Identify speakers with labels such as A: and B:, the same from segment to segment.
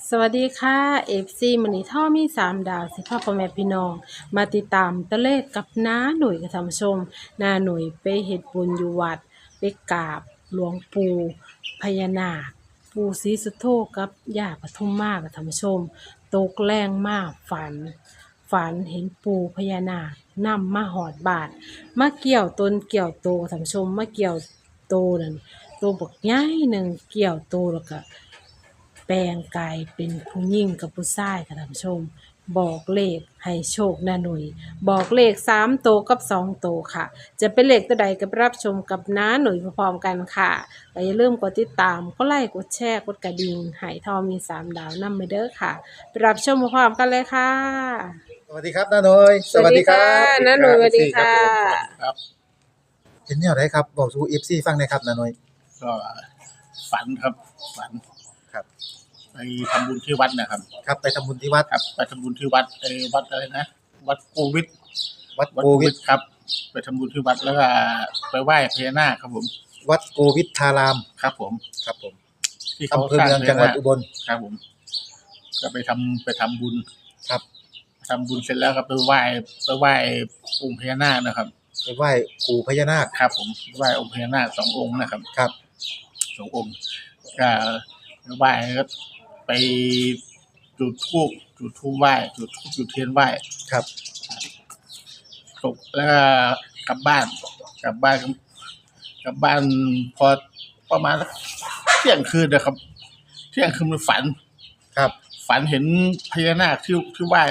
A: สวัสดีค่ะเอฟซีมันนี่ท่อมี3 ดาวสิพ่อพ่อแม่พี่น้องมาติดตามตะเลขกับน้าหนุ่ยกับท่านผู้ชมน้าหนุ่ยไปเฮ็ดบุญอยู่วัดไปกราบหลวงปู่พญานาคปู่ศรีสุโธกับย่าปทุมมากับท่านผู้ชมตกแรงมากฝันเห็นปู่พญานาคนำมาหอดบาทมาเกี่ยวต้นเกี่ยวโตท่านผู้ชมมาเกี่ยวโตนั่นโตบักใหญ่หนึ่งเกี่ยวโตแล้วก็แปลงกายเป็นผู้หญิงกับผู้ชายค่ะท่านผู้ชมบอกเลขให้โชคน้าหนุ่ยบอกเลข3 โตวกับ2 โตวค่ะจะเป็นเลขตัวใดก็ไปรับชมกับน้าหนุ่ยพร้อมๆกันค่ะและอย่าลืมกดติดตามกดไลค์กดแชร์กดกระดิ่งให้ทอมี3 ดาวนำไปเด้อค่ะไปรับชมพร้อมๆกันเลยค่ะ
B: สวัสดีครับน้าหน่อย
A: สวัสดีค่ะน้าหนุ่ยสวัสดีค่ะ
C: ครับ
B: เป็นแนวไหนครับบอกสู่ FC ฟังหน่อยครับน้าหน่อย
C: ก็ฝันครับฝัน
B: ครับ
C: ไปทำบุญที่วัดนะครับ
B: ครับไปทำบุญที่วัด
C: ครับไปทำบุญที่วัดวัดอะไรนะวัดโควิด
B: วัด
C: วัด
B: โควิด
C: ครับ ไปทำบุญที่วัดแล้วก็ไปไหว้พญานาคครับผม
B: วัดโควิดทาราม
C: ครับผม
B: ครับผม
C: ที่เขา
B: อำเภอ
C: สร้าง
B: เมืองจังหวัดอุบล
C: ครับผม ก็ไปทำบุญ
B: ครับ
C: ทำบุญเสร็จแล้วก็ไปไหว้องค์พญานาคนะครับ
B: ไปไหว้ปู่พญานาค
C: ครับ ผมไหว้องค์พญานาค2 องค์นะครับ
B: ครับ
C: 2 องค์ก็ไหว้ก็ไปจุดธูปไหว้จุดเทียนไหว้
B: ครับ
C: ตกแล้วก็กลับบ้านกลับบ้านพอประมาณสักเที่ยงคืนนะครับเที่ยงคืนมันฝัน
B: ครับ
C: ฝันเห็นพญานาคที่ไหว้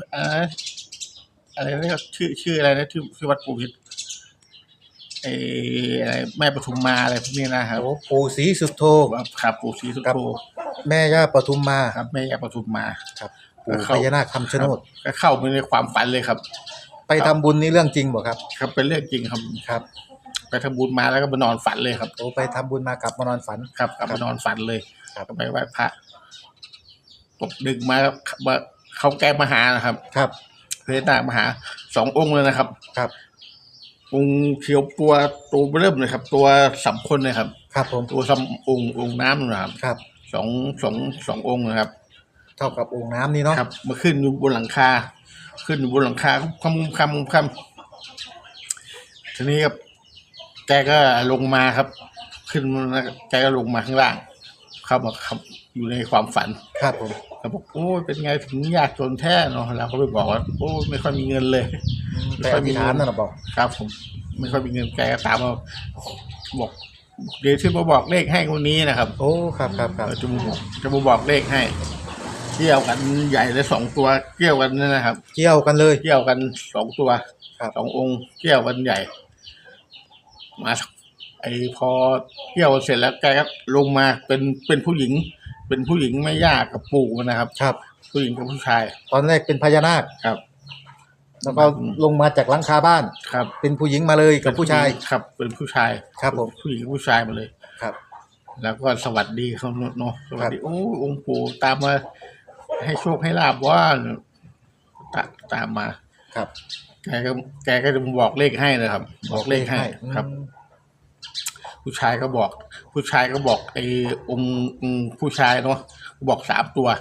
C: อะไรนะชื่ออะไรนะที่วัดปู่พิษอะไรแม่ปทุมมาอะไรพวกนี้นะครับ
B: โอ้ปู่ศรีสุโธ
C: ครับปู่ศรีสุ
B: ครั
C: โธ
B: บ แม่ย่าปทุมมา
C: ครับแม่ย่าปทุมมา
B: ครับปู่พญานาคคำชะโนด
C: ก็เข้าไปในความฝันเลยครับ
B: ไปทำบุญนี่เรื่องจริงบ่ครับ
C: ครับเป็นเรื่องจริงครับ
B: ครับ
C: ไปทำบุญมาแล้วก็มานอนฝันเลยครับ
B: โอ้ไปทำบุญมากลับมานอนฝัน
C: ครับกลับมานอนฝันเลย
B: ครับ
C: ก็ไปไหว้พระตกดึกมาเขาแก้มาหานะครับ
B: ครับ
C: พญานาคมาหา2 องค์เลยนะครับ
B: ครับ
C: องค์เขียวตัวเริ่มเลยครับ ตัวสำคนเลยครับ
B: ครับผม
C: ตัวองค์น้ำนะครับ
B: ครับ
C: สององค์นะครับ
B: เท่ากับโอ่งน้ำนี่เนาะ
C: ครับมาขึ้นอยู่บนหลังคาคำทีนี้ครับแกก็ลงมาครับ ขึ้นมาแกก็ลงมาข้างล่างเข้ามาครับอยู่ในความฝัน
B: ครับผม
C: เขาบอกโอ้ยเป็นไงถึงยากจนแท้เนาะเราก็ไปบอกว่าโอ้ยไม่ค่อยมีเงินเลย
B: ไปอธิษฐานนั่นน่ะบอก
C: ครับ ผมไม่ค่อยมีเงินแกก็ตามมาบอกเดี๋ยวที่มาบอกเลขให้คนนี้นะครับ
B: โอ้ครับครับครับ
C: จะมาบอกเลขให้เกี่ยวกันใหญ่เลย2 ตัวเกี่ยวกันนั่นนะครับ
B: เกี่ยวกันเลย
C: เกี่ยวกัน2 ตัว
B: ครับ
C: 2 องค์เกี่ยวกันใหญ่ มาพอเกี่ยวเสร็จแล้วแกก็ลงมาเป็นผู้หญิง เป็นผู้หญิงไม่ยากกับปู่นะครับ
B: ครับ
C: ผู้หญิงกับผู้ชาย
B: ตอนแรกเป็นพญานาค
C: ครับ
B: แล้วก็ลงมาจากหลังคาบ้าน
C: ครับ
B: เป็นผู้หญิงมาเลยกับผู้ชาย
C: ครับ เป็นผู้ชาย
B: ครับผม
C: ผู้หญิงกับผู้ชายมาเลย
B: ครับ
C: แล้วก็สวัสดีเขาเนาะสวัสดีโอ้องค์ปู่ตามมาให้โชคให้ลาบว่าตามมา
B: ครับ
C: แกก็จะบอกเลขให้เลยครับ บอกเลขให้ครับ ผู้ชายก็บอกองค์ผู้ชายเนาะบอก3 ตัว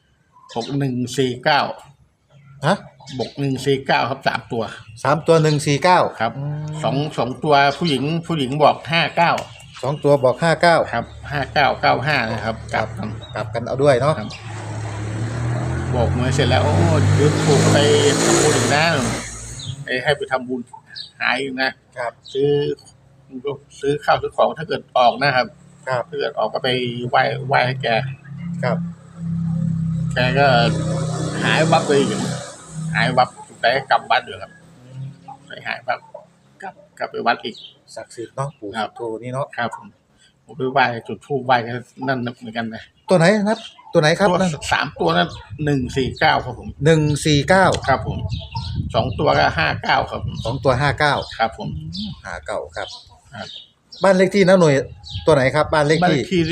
C: 6149
B: ฮะ
C: บอก149ครับ3 ตัว
B: 3 ตัว149
C: ครับ2 ตัวผู้หญิงบอก59
B: 2 ตัวบอก59
C: ครับ5995นะครับกลับกัน
B: กลับกันเอาด้วยเนาะ
C: ครับ บอกมาเสร็จแล้วโอ้ยืมถูกไปทำบุญอีกนะให้ไปทำบุญหายอีกนะครับ ซื้อข้าวซื้อของถ้าเกิดออกนะครับ
B: ครับ
C: ถ้าเกิดออกก็ไปไหว้ให้แก
B: ครับ
C: แกก็หายวับไปอีกหายวับแต่กลับวัดอยู่ครับไปหายวับกลับไปวัดอีก
B: ศักดิ์สิทธิ์เนาะปู่
C: ครับ
B: โทนี่เนาะ
C: ครับผมไปไหว้จุดธูปไหว้กันนั่นเหมือนกันนะ
B: ตัวไหนนะครับตัวไหนครับ
C: ตัว
B: นั่น
C: 3 ตัวนั้น149ครับผม
B: 149
C: ครับผม2 ตัวก็59ครับผม
B: 2 ตัว59
C: ครับผม
B: 59ครับ
C: ครับ
B: บ้านเลขที่นะหน่วยตัวไหนครับบ้านเลข
C: บ้านเล
B: ที่
C: ขที่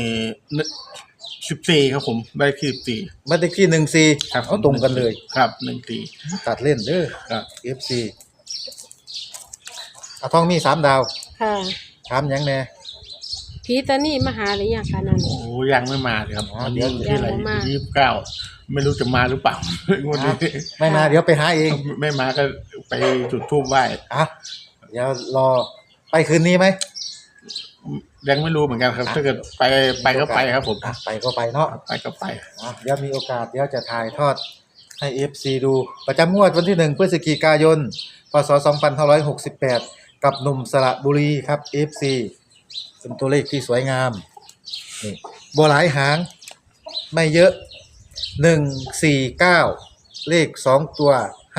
C: นี่14ครับผมบ้านเลขที่14
B: บ้านเลขที่14
C: ครับ
B: เอาตรงกันเลย
C: ครับ14
B: ตัดเล่นเด้อ
C: ครับ
B: FC เอาทองมี3 ดาว
A: ค่ะ
B: ถามหยังแน่
A: ผีตานี่มาหาหรือยังคะนั่น
C: โอ้ยังไม่มาเลยครับวันนี้
B: เดี๋ยว
C: ที่ไหน
A: ยังไม่มา
C: 29ไม่รู้จะมาหรือเปล่า วันนี้
B: ไม่มาเดี๋ยวไปหาเอง
C: ไม่มาก็ไปจุดธูปไหว้
B: อ่ะเดี๋ยวรอไปคืนนี้ไหม
C: ยังไม่รู้เหมือนกันครับ ถ้าเกิดไปก็ไปครับผม
B: อ่ะไปก็ไปเนาะ
C: ไปก็ไป
B: อ่ะเดี๋ยวมีโอกาสเดี๋ยวจะถ่ายทอดให้ FC ดูประจำงวดวันที่1พฤศจิกายนพศ2568กับหนุ่มสระบุรีครับ FC เป็นตัวเลขที่สวยงามนี่บ่หลายหางไม่เยอะ149เลข2ตัว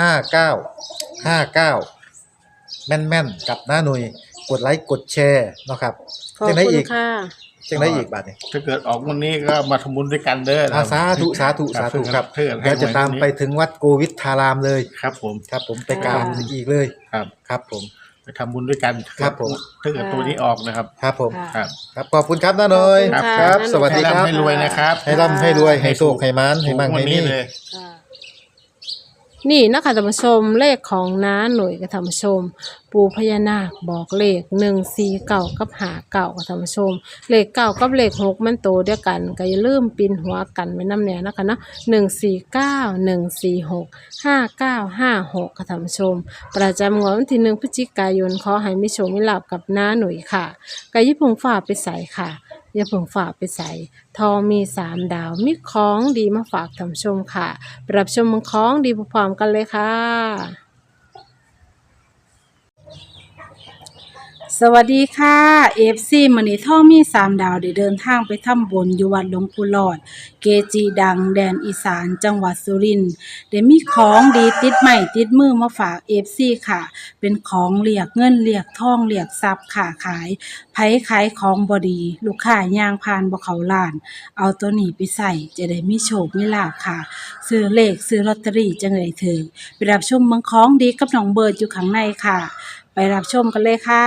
B: 59แม่นๆกับหน้าหน่วยกดไลค์กดแชร์เนาะครับ
A: ขอบ
B: จังได้
A: คุ
B: อี
A: ณ
B: ก
A: ค่ะ
B: จังได้อีกบาทนี่
C: ถ้าเกิดออกวันนี้ก็มาทำบุญด้วยกันเด้อ
B: สาธุสาธุสาธุครับ
C: เพื่อน
B: เดี๋ยวจะตามไปถึงวัดโกวิทธารามเลย
C: ครับผม
B: ครับผมไปกราบอีกเลย
C: ครับ
B: ครับผม
C: ไปทำบุญด้วยกัน
B: ครับผม
C: ถ้าเกิดตัวนี้ออกนะครับ
B: ครับผม
A: ค่ะ
C: ครับ
B: ครับขอบคุณครับน้าหน่อย
A: ขอบคุณ
B: ค
A: ค่ะ
B: รับ
A: น้าหน่อย
B: สวัสดีครับ
C: ให้รวยนะครับ
B: ให้ร่ำให้รวยให้โชคให้มานให้มั่ง
C: วั
B: ให้
C: นนี้
B: นี่
C: เลย
A: ค่ะนี่นะคะท่านผู้ชมเลขของน้าหน่วยกับท่านผู้ชม ปู่พญานาคบอกเลข149กับ59กับท่านผู้ชม เลข9กับเลข6มันโตเดียวกันก็อย่าลืมปินหัวกันไว้นำแน่นะคะเนาะ149 146 5956กับท่านผู้ชม ประจำงวดวันที่1พฤศจิกายนขอให้มีโชคมีลาภกับน้าหน่วยค่ะก็อย่าเพิ่งฝ่าไปใส่ค่ะ อย่าเพิ่งฝากไปใส่ทองมี3ดาวมีของดีมาฝากท่านผู้ชมค่ะไปรับชมของดีพร้อมๆกันเลยค่ะ สวัสดีค่ะเอฟซีมื้อนี้ท่องมี3ดาวได้เดินทางไปทำบุญอยู่วัดหลวงปู่หลอด เกจิดังแดนอีสานจังหวัดสุรินทร์ได้มีของดีติดใหม่ติดมือมาฝากเอฟซีค่ะ เป็นของเรียกเงินเรียกทองเรียกทรัพย์ค่ะขายไผขายของบ่ดี ลูกค้าย่างผ่านบ่เข้าร้าน เอาตัวนี้ไปใส่จะได้มีโชคมีลาภค่ะ ซื้อเลขซื้อลอตเตอรี่จังเลยถึงไปรับชมเมืองของดีกับน้องเบิร์ดอยู่ข้างในค่ะ ไปรับชมกันเลยค่ะ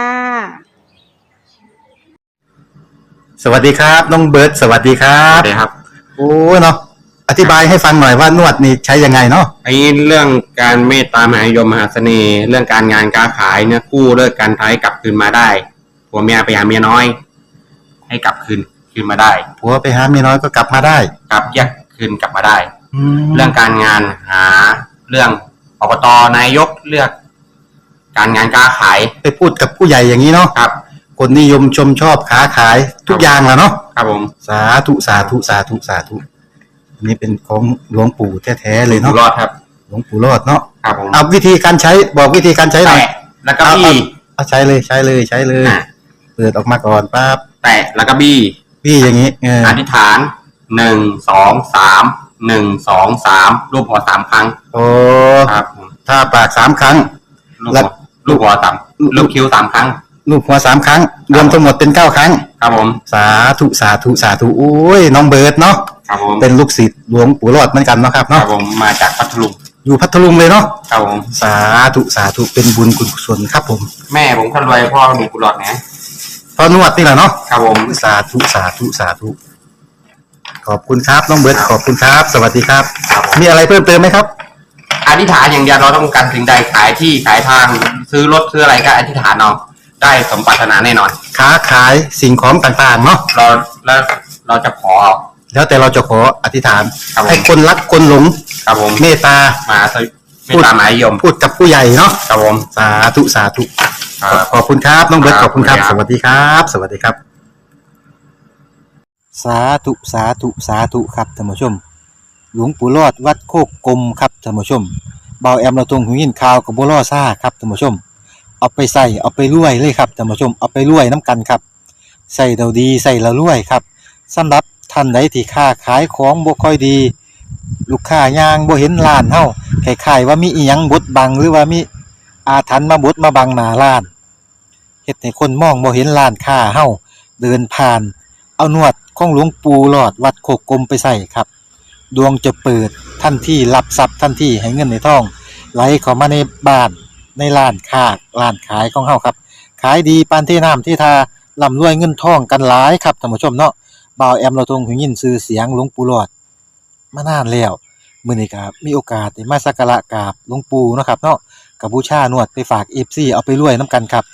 D: สวัสดีครับน้องเบิร์ดสวัสดีครั
E: ครับ บครับ
D: โอ้เนาะอธิบายให้ฟังหน่อยว่านวดนี่ใช้ยังไงเนาะ
E: ไอ้เรื่องการเมตตามหานิยมมหาเสน่ห์ เรื่องการงานการขายเนี่ยกู้เลิกการท้ายกลับคืนมาได้ผัวเมียไปหาเมียน้อย ให้กลับคืนมาได้
D: ผัวไปหาเมียน้อยก็กลับมาได้
E: กลับแยกคืนกลับมาได้
D: แล้
E: เรื่
D: ว
E: องการงานหาเรื่องอบตนายกเลือก การงานการขาย
D: ไปพูดกับผู้ใหญ่อย่างนี้เนาะ
E: ครับ
D: คนนิยมชมชอบค้าขายทุกอย่างแหละเนาะ
E: ครับผม
D: สาธุสาธุสาธุสาธุอันนี้เป็นของหลวงปู่แท้ๆเลย
E: อยู่
D: เนาะ
E: รอดครับ
D: หลวงปู่รอดเนาะ
E: ครับผม
D: เอาวิธีการใช้บอกวิธีการใช้หน่อย
E: แตะแล้วก็บี้
D: เอาใช้เลยใช้เลยใช้เลย
E: อ่ะ
D: เปิดออกมาก่อนปั๊บ
E: แตะแล้วก็บี้
D: พี่อย่างนี้เออ
E: อธิษฐาน1 2 3 1 2 3รูปหัว3ครั้ง
D: โอ้
E: ครับผม
D: ถ้าปาก3ครั้ง
E: ลูกหัวลูกหัวต่ำลูกคิ้ว3ครั้ง
D: ลูกหัว3ครั้ง รวมทั้งหมดเป็น9ครั้ง
E: ครับผม
D: สาธุสาธุสาธุโอ้ยน้องเบิร์ดเนาะ
E: ครับผม
D: เป็นลูกศิษย์หลวงปู่รอดเหมือนกันเนาะครับ
E: ครั
D: เนาะ
E: บผมมาจากพัทลุง
D: อยู่พัทลุงเลยเนาะ
E: ครับผม
D: สาธุสาธุเป็นบุญคุณกุศลครับผม
E: แม่ผมคนรวยพ่อมีกุหลาบนะ
D: พอนวดนี่แหละเนาะ
E: ครับผม
D: สาธุสาธุสาธุขอบคุณครับน้องเบิร์ดขอบคุณครับ สวัสดีครับ
E: ครับผม
D: มีอะไรเพิ่มเติมไหมครับ
E: อธิษฐานอย่างเดียวเราต้องการสิ่งใดขายที่ขายทางซื้อรถซื้ออะไรก็อธิษฐานเอาได้สมปรารถนาแน่นอน
D: ค้าขายสิ่งของต่างๆเนาะ
E: เราแล้วเราจะขอ
D: แล้วแต่เราจะขออธิษฐาน
E: ครับผม
D: ให้คนรักคนหลง
E: ครับผม
D: เมตตา
E: มาไม่ตามหมายยม
D: พูดกับผู้ใหญ่เนาะ
E: ครับผม
D: สาธุสาธุ
E: ครับ
D: ขอบคุณครับน้องเบิร์ต
E: ค
D: ข
E: รับ
D: อบคุณครับ
E: ขอบ
D: ส
E: คุณครับ
D: วัสดีครับ สวัสดีครับ สาธุสาธุสาธุครับท่านผู้ชม หลวงปู่รอดวัดโคกกลมครับท่านผู้ชมเบาแอมเราตรงหูยินข่าวกับบัวล่อซ่าครับท่านผู้ชม เอาไปใส่เอาไปรวยเลยครับท่านผู้ชมเอาไปรวยน้ำกันครับใส่เราดีใส่เรารวยครับสำหรับท่านใดที่ค้าขายของบ่ค่อยดี ลูกค้ายางบ่เห็นร้านเฮาคล้ายๆว่ามีอีหยังบดบังหรือว่ามีอาถรรพ์มาบดมาบังหน้าร้านเฮ็ดให้คนมองบ่เห็นร้านค้าเฮาเดินผ่าน เอานวดของหลวงปู่หลอดวัดโคกกลมไปใส่ครับ ดวงจะเปิดทันทีรับทรัพย์ทันทีให้เงินในท้องไหลเข้ามาในบ้านในร้านค้าร้านขายของเฮาครับขายดีปานที่น้ำที่ทาร่ำรวยเงินทองกันหลายครับท่านผู้ชมเนาะบ่าวแอมเราทรงหูยินชื่อเสียงหลวงปู่หลอดมานานแล้วมื้อนี้ก็มีโอกาสได้มาสักการะกราบหลวงปู่เนาะครับเนาะก็บูชานวดไปฝาก FC เอาไปรวยนํกันครับ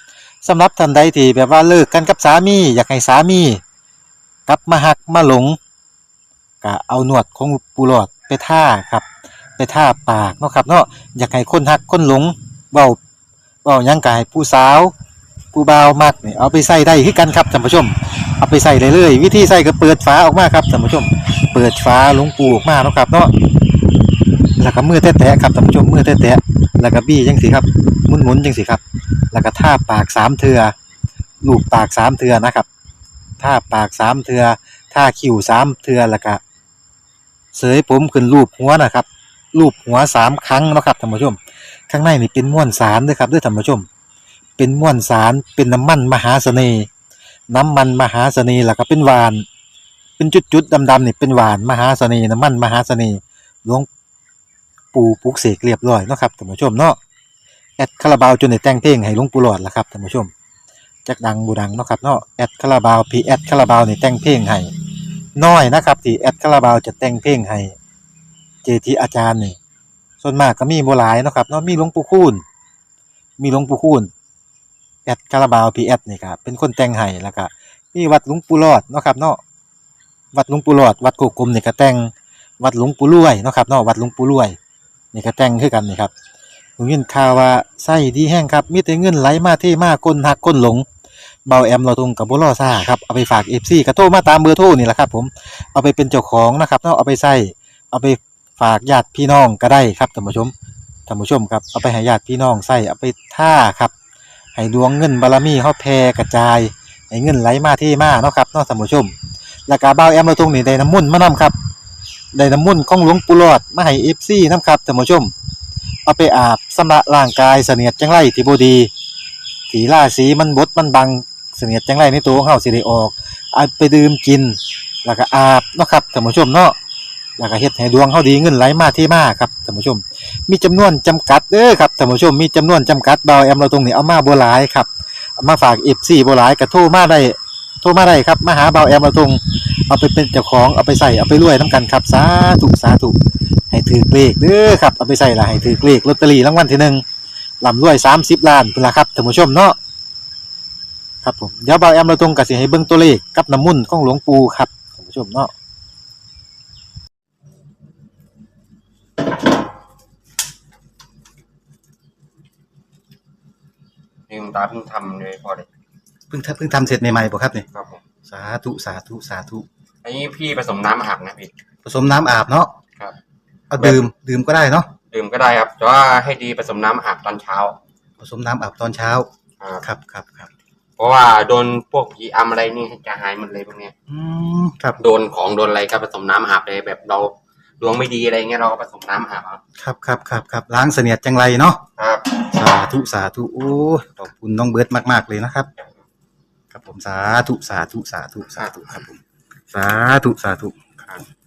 D: สำหรับท่านใดที่แบบว่าเลิกกันกับสามีอยากให้สามีกลับมาหักมาหลงก็เอาหนวดของปูหลอดไปท่าครับไปท่าปากเนาะครับเนาะอยากให้คนหักคนหลงเว้าหยังก็ให้ผู้สาวผู้บ่าวมักนี่เอาไปใส่ได้คือกันครับท่านผู้ชมเอาไปใส่ได้เลยวิธีใส่ก็เปิดฝาออกมาครับท่านผู้ชมเปิดฝาหลวงปูออกมาเนาะครับเนาะแล้วก็มือแตะๆครับท่านผู้ชมมือแตะๆแล้วก็บี้จังซี่ครับหมุนๆจังซี่ครับแล้วก็ท่าปาก3เทื่อลูบปาก3เทื่อนะครับท่าปาก3เทื่อท่าคิ้ว3เทื่อแล้วก็เสยผมขึ้นรูปหัวนะครับรูปหัว3ครั้งเนาะครับท่านผู้ชมข้างในนี่เป็นม้วนสารเด้อครับเด้อท่านผู้ชมเป็นม้วนสารเป็นน้ำมันมหาเสน่ห์แล้วก็เป็นหวานเป็นจุดๆดำๆนี่เป็นหวานมหาเสน่ห์น้ำมันมหาเสน่ห์หลวงปู่ปลุกเสกเรียบร้อยเนาะครับท่านผู้ชมเนาะแอดคาราบาวจนได้แต่งเพลงให้หลวงปู่หลอดล่ะครับท่านผู้ชมจักดังบ่ดังเนาะครับเนาะแอดคาราบาวพี่แอดคาราบาวนี่แต่งเพลงให้น้อยนะครับที่แอดคาราบาวจะแต่งเพลงให้เจจิอาจารย์นี่ส่วนมากก็มีบ่หลายเนาะครับเนาะมีหลวงปู่คูณแอดคาราบาวพี่แอดนี่ครับเป็นคนแต่งให้แล้วก็มีวัดหลวงปู่หลอดเนาะครับเนาะวัดหลวงปู่หลอดวัดโกกลมนี่ก็แต่งวัดหลวงปู่รวยเนาะครับเนาะวัดหลวงปู่รวยนี่ก็แต่งคือกันนี่ครับผมยินข่าวว่าไส้ดีแห้งครับมีแต่เงินไหลมาเทมาคนหักคนหลงเบาแอมเราตรงกับบ่รอซ่าครับเอาไปฝาก FC ก็โทรมาตามเบอร์โทรนี่แหละครับผมเอาไปเป็นเจ้าของนะครับเนาะเอาไปใส่เอาไปฝากญาติพี่น้องก็ได้ครับท่านผู้ชมครับเอาไปให้ญาติพี่น้องใส่เอาไปท่าครับให้ดวงเงินบารมีเฮาแผ่กระจายให้เงินไหลมาเทมาเนาะครับเนาะท่านผู้ชมแล้วก็เบาแอมเราตรงนี่ได้น้ำมนต์มานํครับได้น้ำมนต์ของหลวงปู่หลอดมาให้ FC นํครับท่านผู้ชมเอาไปอาบชำระร่างกายเสนียดจังไรที่บ่ดีที่ราศีมันบดมันบังเสนียดจังไรในตัวของเฮาสิได้ออกเอาไปดื่มกินแล้วก็อาบเนาะครับท่านผู้ชมเนาะแล้วก็เฮ็ดให้ดวงเฮาดีเงินไหลมาเทมาครับท่านผู้ชมมีจำนวนจำกัดเด้อครับท่านผู้ชมมีจำนวนจำกัดเบาแอมเราตรงนี้เอามาบ่หลายครับเอามาฝาก FC บ่หลายก็โทรมาได้ครับมาหาเบาแอมเราตรงเอาไปเป็นเจ้าของเอาไปใส่เอาไปรวยนํกันครับสาธุให้ถือเลขเด้อครับเอาไปใส่ละให้ถือเลขลอตเตอรี่รางวัลที่1ร่ำรวย30ล้านพุ่นล่ะครับท่านผู้ชมเนาะครับผมเดี๋ยวเบาแอมเราตรงก็สิให้เบิ่งตัวเลขกับน้ำมนต์ของหลวงปู่ครับท่านผู้ชมเนาะ
E: นี่คุณตาเพิ่งทำเลยพอเลย
D: เพิ่งทำเสร็จใหม่ๆบ่ครับนี่
E: ครับผม
D: สาธุ
E: อันนี้พี่ผสมน้ำอาบนะพี่
D: ผสมน้ำอาบเนาะ
E: ครับ
D: เอาดื่มก็ได้เนาะ
E: ดื่มก็ได้ครับแต่ว่าให้ดีผสมน้ำอาบตอนเช้า
D: ผสมน้ำอาบตอนเช้าครับ
E: เพราะว่าโดนพวกผีอำอะไรนี่จะหายหมดเลยพวกเนี้ย
D: ครับ
E: โดนของโดนอะไรก็ผสมน้ำอาบเลยแบบเราดวงไม่ดีอะไรเงี้ยเราก็ผสมน้ำอาบ
D: ครับล้างเสนียดจังไรเนาะ
E: ครับ
D: สาธุโอ้ขอบคุณน้องเบิร์ดมากๆเลยนะครับครับผมสาธุครับผมสาธุครับ